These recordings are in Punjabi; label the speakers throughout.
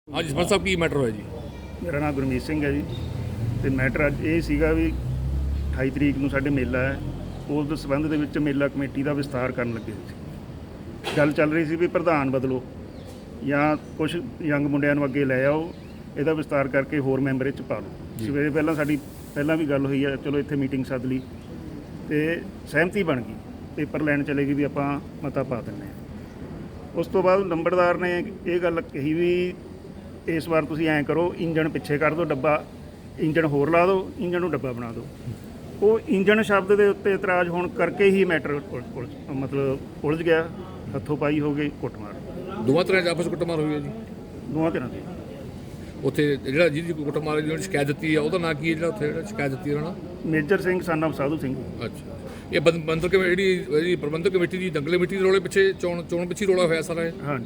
Speaker 1: हाँ जी सरपंच साहब की मैटर है जी।
Speaker 2: ਮੇਰਾ ਨਾਮ ਗੁਰਮੀਤ ਸਿੰਘ ਹੈ ਜੀ ਤੇ ਮੈਟਰ ਅੱਜ ਇਹ ਸੀਗਾ ਵੀ 28 ਤਰੀਕ ਨੂੰ ਸਾਡੇ ਮੇਲਾ ਹੈ। ਉਸ ਦੇ ਸੰਬੰਧ ਦੇ ਵਿੱਚ ਮੇਲਾ ਕਮੇਟੀ ਦਾ ਵਿਸਤਾਰ ਕਰਨ ਲੱਗੇ ਸੀ। ਗੱਲ ਚੱਲ ਰਹੀ ਸੀ ਵੀ ਪ੍ਰਧਾਨ ਬਦਲੋ ਜਾਂ ਕੁਝ ਯੰਗ ਮੁੰਡਿਆਂ ਨੂੰ ਅੱਗੇ ਲੈ ਆਓ, ਇਹਦਾ ਵਿਸਤਾਰ ਕਰਕੇ ਹੋਰ ਮੈਂਬਰ ਇਹ 'ਚ ਪਾ ਲਓ। ਸਵੇਰੇ ਸਾਡੀ ਪਹਿਲਾਂ ਵੀ ਗੱਲ ਹੋਈ ਹੈ, ਚਲੋ ਇੱਥੇ ਮੀਟਿੰਗ ਸੱਦ ਲਈ ਤੇ ਸਹਿਮਤੀ ਬਣ ਗਈ, ਪੇਪਰ ਲੈਣ ਚਲੇ ਗਈ ਵੀ ਆਪਾਂ ਮਤਾ ਪਾ ਦਿੰਦੇ ਹਾਂ। ਉਸ ਤੋਂ ਬਾਅਦ ਨੰਬਰਦਾਰ ਨੇ ਇਹ ਗੱਲ ਕਹੀ ਵੀ ਇਸ ਵਾਰ ਤੁਸੀਂ ਐਂ ਕਰੋ, ਇੰਜਣ ਪਿੱਛੇ ਕਰ ਦਿਓ, ਡੱਬਾ ਇੰਜਣ ਹੋਰ ਲਾ ਦਿਓ, ਇੰਜਣ ਨੂੰ ਡੱਬਾ ਬਣਾ ਦਿਓ। ਉਹ ਇੰਜਣ ਸ਼ਬਦ ਦੇ ਉੱਤੇ ਇਤਰਾਜ਼ ਹੋਣ ਕਰਕੇ ਹੀ ਮੈਟਰ ਮਤਲਬ ਉਲਝ ਗਿਆ, ਹੱਥੋਂ ਪਾਈ ਹੋ ਗਈ, ਕੁੱਟਮਾਰ
Speaker 1: ਦੋਵਾਂ ਤਰ੍ਹਾਂ ਆਪਸ ਕੁੱਟਮਾਰ ਹੋਈ ਹੈ ਜੀ।
Speaker 2: ਦੋਵਾਂ ਧਿਰਾਂ ਦੀ।
Speaker 1: ਉੱਥੇ ਜਿਹੜਾ ਜਿਹਦੀ ਕੁੱਟਮਾਰ ਜਿਹਨੇ ਸ਼ਿਕਾਇਤ ਦਿੱਤੀ ਹੈ ਉਹਦਾ ਨਾਂ ਕੀ ਹੈ, ਜਿਹੜਾ ਉੱਥੇ ਜਿਹੜਾ ਸ਼ਿਕਾਇਤ ਦਿੱਤੀ ਉਹਨਾਂ ਨੇ?
Speaker 2: ਮੇਜਰ ਸਿੰਘ son of ਸਾਧੂ ਸਿੰਘ।
Speaker 1: ਅੱਛਾ, ਇਹ ਬੰਦਰ ਜਿਹੜੀ ਪ੍ਰਬੰਧਕ ਕਮੇਟੀ ਦੀ ਦੰਗਲ ਕਮੇਟੀ ਦੇ ਰੋਲੇ ਪਿੱਛੇ ਚੋਣ ਪਿੱਛੇ ਰੋਲਾ ਹੋਇਆ ਸਾਰਾ ਇਹ?
Speaker 2: ਹਾਂਜੀ।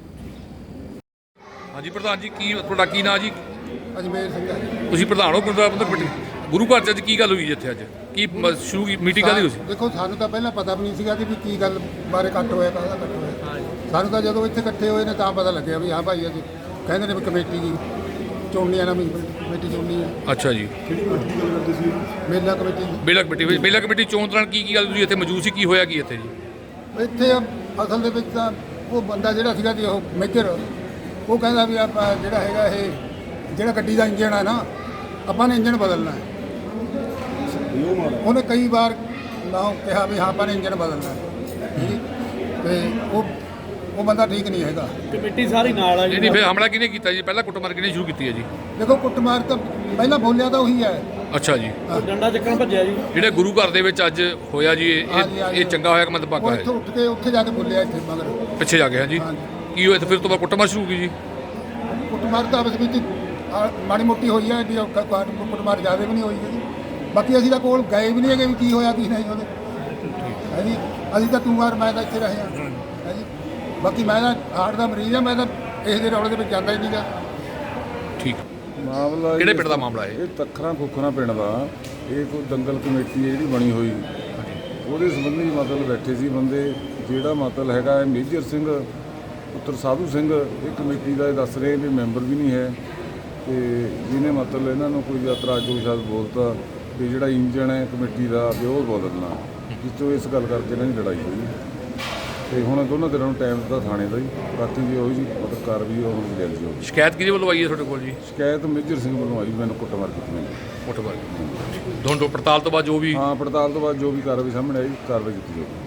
Speaker 1: ਹਾਂਜੀ ਪ੍ਰਧਾਨ ਜੀ, ਕੀ ਤੁਹਾਡਾ ਕੀ ਨਾਂ ਜੀ?
Speaker 3: ਅਜਮੇਰ ਸਿੰਘ ਹੈ ਜੀ।
Speaker 1: ਤੁਸੀਂ ਪ੍ਰਧਾਨ ਹੋ ਪ੍ਰਬੰਧਕ ਕਮੇਟੀ। ਗੁਰੂ ਘਰ 'ਚ ਅੱਜ ਕੀ ਗੱਲ ਹੋਈ ਜੀ? ਇੱਥੇ ਅੱਜ ਕੀ ਸ਼ੁਰੂ ਮੀਟਿੰਗ ਕਾਹਦੀ ਹੋਈ ਸੀ?
Speaker 3: ਦੇਖੋ, ਸਾਨੂੰ ਤਾਂ ਪਹਿਲਾਂ ਪਤਾ ਵੀ ਨਹੀਂ ਸੀਗਾ ਕਿ ਕੀ ਗੱਲ ਬਾਰੇ ਇਕੱਠ ਹੋਇਆ, ਕਾਹਦਾ ਇਕੱਠ ਹੋਇਆ। ਸਾਨੂੰ ਤਾਂ ਜਦੋਂ ਇੱਥੇ ਇਕੱਠੇ ਹੋਏ ਨੇ ਤਾਂ ਪਤਾ ਲੱਗਿਆ ਵੀ ਹਾਂ ਭਾਈ ਅੱਜ ਕਹਿੰਦੇ ਨੇ ਵੀ ਕਮੇਟੀ ਦੀ ਚੋਣਨੀ ਆ, ਨਵੀਂ ਕਮੇਟੀ ਚੋਣਨੀ ਆ।
Speaker 1: ਅੱਛਾ ਜੀ,
Speaker 3: ਮੇਲਾ ਕਮੇਟੀ ਦੀ।
Speaker 1: ਮੇਲਾ ਕਮੇਟੀ ਚੋਣ ਦੌਰਾਨ ਕੀ ਗੱਲ ਤੁਸੀਂ ਇੱਥੇ ਮੌਜੂਦ ਸੀ? ਕੀ ਹੋਇਆ ਕੀ ਇੱਥੇ ਜੀ?
Speaker 3: ਇੱਥੇ ਅਸਲ ਦੇ ਵਿੱਚ ਤਾਂ ਉਹ ਬੰਦਾ ਜਿਹੜਾ ਸੀਗਾ ਜੀ, ਉਹ ਮੇਜਰ, ਉਹ ਕਹਿੰਦਾ ਵੀ ਆਪਾਂ ਜਿਹੜਾ ਹੈਗਾ ਇਹ ਜਿਹੜਾ ਗੱਡੀ ਦਾ ਇੰਜਣ ਹੈ ਨਾ, ਆਪਾਂ ਨੇ ਇੰਜਣ ਬਦਲਣਾ ਹੈ। ਉਹਨੇ ਕਈ ਵਾਰ ਨਾ ਕਿਹਾ ਵੀ ਹਾਂ ਆਪਾਂ ਨੇ ਇੰਜਣ ਬਦਲਣਾ ਹੈ ਜੀ, ਤੇ ਉਹ ਬੰਦਾ ਠੀਕ ਨਹੀਂ ਹੈਗਾ।
Speaker 4: ਕਮੇਟੀ ਸਾਰੀ ਨਾਲ ਆ ਜੀ।
Speaker 1: ਨਹੀਂ, ਫਿਰ ਹਮਲਾ ਕਿਹਨੇ ਕੀਤਾ ਜੀ? ਪਹਿਲਾਂ ਕੁੱਟਮਾਰ ਕਿਹਨੇ ਸ਼ੁਰੂ ਕੀਤੀ ਹੈ ਜੀ?
Speaker 3: ਦੇਖੋ, ਕੁੱਟਮਾਰ ਤਾਂ ਪਹਿਲਾਂ ਬੋਲਿਆ ਤਾਂ ਉਹੀ ਹੈ।
Speaker 1: ਅੱਛਾ ਜੀ,
Speaker 4: ਡੰਡਾ ਚੱਕਣ ਭੱਜਿਆ ਜੀ।
Speaker 1: ਜਿਹੜੇ ਗੁਰੂ ਘਰ ਦੇ ਵਿੱਚ ਅੱਜ ਹੋਇਆ ਜੀ, ਇਹ ਚੰਗਾ ਹੋਇਆ ਕਿ ਮੰਦਭਾਗਾ
Speaker 3: ਉਹ
Speaker 1: ਹੈ?
Speaker 3: ਇੱਥੋਂ ਉੱਠ ਕੇ ਉੱਥੇ ਜਾ ਕੇ ਬੋਲਿਆ, ਇੱਥੇ ਮਗਰ
Speaker 1: ਪਿੱਛੇ ਜਾ ਕੇ। ਹਾਂਜੀ, ਕੀ ਹੋਇਆ? ਫਿਰ ਤੋਂ ਬਾਅਦ ਕੁੱਟਮਾਰ ਸ਼ੁਰੂ ਹੋ ਗਈ ਜੀ?
Speaker 3: ਕੁੱਟਮਾਰ ਤਾਂ ਆਪਸ ਵਿੱਚ ਮਾੜੀ ਮੋਟੀ ਹੋਈ ਹੈ, ਕੁੱਟਮਾਰ ਜ਼ਿਆਦਾ ਵੀ ਨਹੀਂ ਹੋਈ ਹੈਗੀ। ਬਾਕੀ ਅਸੀਂ ਤਾਂ ਕੋਲ ਗਏ ਵੀ ਨਹੀਂ ਹੈਗੇ ਵੀ ਕੀ ਹੋਇਆ ਕੀ ਨਹੀਂ ਉਹਦੇ ਹੈ ਜੀ। ਅਸੀਂ ਤਾਂ ਤੂੰ ਵਾਰ ਮੈਂ ਤਾਂ ਇੱਥੇ ਰਹੇ ਹਾਂ ਹੈ ਜੀ। ਬਾਕੀ ਮੈਂ ਤਾਂ ਹਾਰਟ ਦਾ ਮਰੀਜ਼ ਹਾਂ, ਮੈਂ ਤਾਂ ਇਸ ਦੇ ਰੌਲੇ ਦੇ ਵਿੱਚ ਜਾਂਦਾ ਹੀ ਨਹੀਂਗਾ।
Speaker 1: ਠੀਕ।
Speaker 5: ਮਾਮਲਾ
Speaker 1: ਕਿਹੜੇ ਪਿੰਡ ਦਾ ਮਾਮਲਾ ਹੈ?
Speaker 5: ਇਹ ਤੱਖਰਾਂ ਖੁਖਰਾਂ ਪਿੰਡ ਦਾ। ਇਹ ਕੋਈ ਦੰਗਲ ਕਮੇਟੀ ਹੈ ਜਿਹੜੀ ਬਣੀ ਹੋਈ, ਉਹਦੇ ਸੰਬੰਧੀ ਮਤਲਬ ਬੈਠੇ ਸੀ ਬੰਦੇ। ਜਿਹੜਾ ਮਤਲਬ ਹੈਗਾ ਮੇਜਰ ਸਿੰਘ ਪੁੱਤਰ ਸਾਧੂ ਸਿੰਘ, ਇਹ ਕਮੇਟੀ ਦਾ ਇਹ ਦੱਸ ਰਹੇ ਵੀ ਮੈਂਬਰ ਵੀ ਨਹੀਂ ਹੈ, ਤੇ ਜਿਹਨੇ ਮਤਲਬ ਇਹਨਾਂ ਨੂੰ ਕੋਈ ਇਤਰਾਜ਼ ਕੋਈ ਸ਼ਾਇਦ ਬੋਲਤਾ ਵੀ ਜਿਹੜਾ ਇੰਜਣ ਹੈ ਕਮੇਟੀ ਦਾ ਵੀ ਉਹ ਬਦਲਣਾ, ਜਿਸ ਤੋਂ ਇਸ ਗੱਲ ਕਰਕੇ ਇਹਨਾਂ ਦੀ ਲੜਾਈ ਹੋਈ। ਤੇ ਹੁਣ ਦੋਨਾਂ ਧਿਰਾਂ ਨੂੰ ਟਾਈਮ ਦਿੱਤਾ ਥਾਣੇ ਦਾ ਜੀ। ਬਾਕੀ ਜੀ ਉਹੀ ਜੀ ਮਤਲਬ ਕਾਰਵਾਈ ਉਹ ਹੁਣ ਜਲਦੀ ਹੋਊਗੀ।
Speaker 1: ਸ਼ਿਕਾਇਤ ਕਿਹਦੇ ਵੱਲੋਂ ਆਈ ਹੈ ਤੁਹਾਡੇ ਕੋਲ ਜੀ?
Speaker 5: ਸ਼ਿਕਾਇਤ ਮੇਜਰ ਸਿੰਘ ਵੱਲੋਂ ਆਈ, ਮੈਨੂੰ ਕੁੱਟਮਾਰ ਕੀਤੀ ਮੈਨੂੰ।
Speaker 1: ਕੁੱਟਮਾਰ ਦੋਨੋਂ ਪੜਤਾਲ ਤੋਂ ਬਾਅਦ ਜੋ ਵੀ
Speaker 5: ਹਾਂ, ਪੜਤਾਲ ਤੋਂ ਬਾਅਦ ਜੋ ਵੀ ਕਾਰਵਾਈ ਸਾਹਮਣੇ ਆਈ, ਕਾਰਵਾਈ ਕੀਤੀ ਜਾਊਗੀ।